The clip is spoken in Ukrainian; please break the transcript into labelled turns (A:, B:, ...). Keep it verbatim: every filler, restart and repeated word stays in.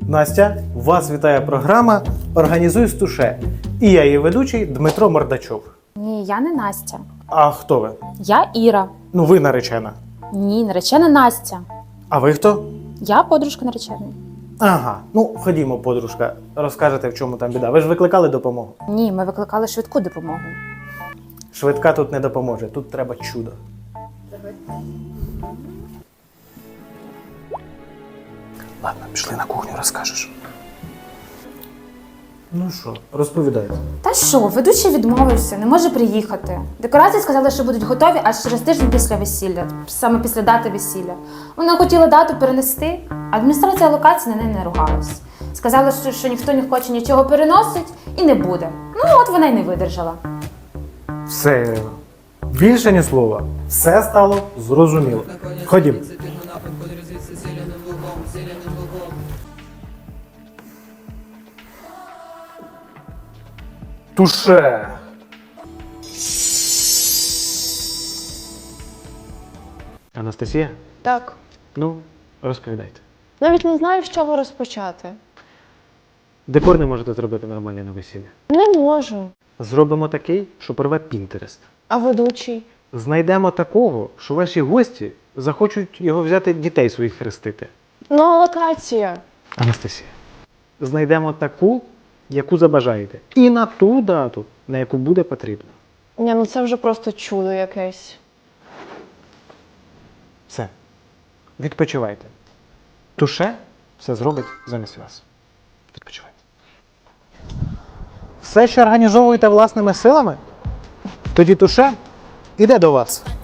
A: Настя, вас вітає програма «Організуй з туше». І я її ведучий Дмитро Мордачов.
B: Ні, я не Настя.
A: А хто ви?
B: Я Іра.
A: Ну, ви наречена.
B: Ні, наречена Настя.
A: А ви хто?
B: Я подружка нареченої.
A: Ага, ну ходімо, подружка, розкажете, в чому там біда. Ви ж викликали допомогу.
B: Ні, ми викликали швидку допомогу.
A: Швидка тут не допоможе, тут треба чудо. Ладно, пішли на кухню, розкажеш. Ну що, розповідайте.
B: Та що, ведучий відмовився, не може приїхати. Декорації сказали, що будуть готові аж через тиждень після весілля, саме після дати весілля. Вона хотіла дату перенести, а адміністрація локації на неї не ругалась. Сказали, що, що ніхто не хоче нічого переносить і не буде. Ну, от вона й не видержала.
A: Все, Ірина. Більше ні слова. Все стало зрозуміло. Ходім. Туше. Анастасія?
C: Так.
A: Ну, розповідайте.
C: Навіть не знаю, з чого розпочати.
A: Декор не можете зробити нормально на весілля.
C: Не можу.
A: Зробимо такий, що порве Пінтерест.
C: А ведучий?
A: Знайдемо такого, що ваші гості захочуть його взяти дітей своїх хрестити.
C: Ну, а локація.
A: Анастасія. Знайдемо таку, яку забажаєте. І на ту дату, на яку буде потрібно.
C: Ні, ну це вже просто чудо якесь.
A: Все. Відпочивайте. Туше все зробить замість вас. Відпочивайте. Все, що організовуєте власними силами, тоді туше іде до вас.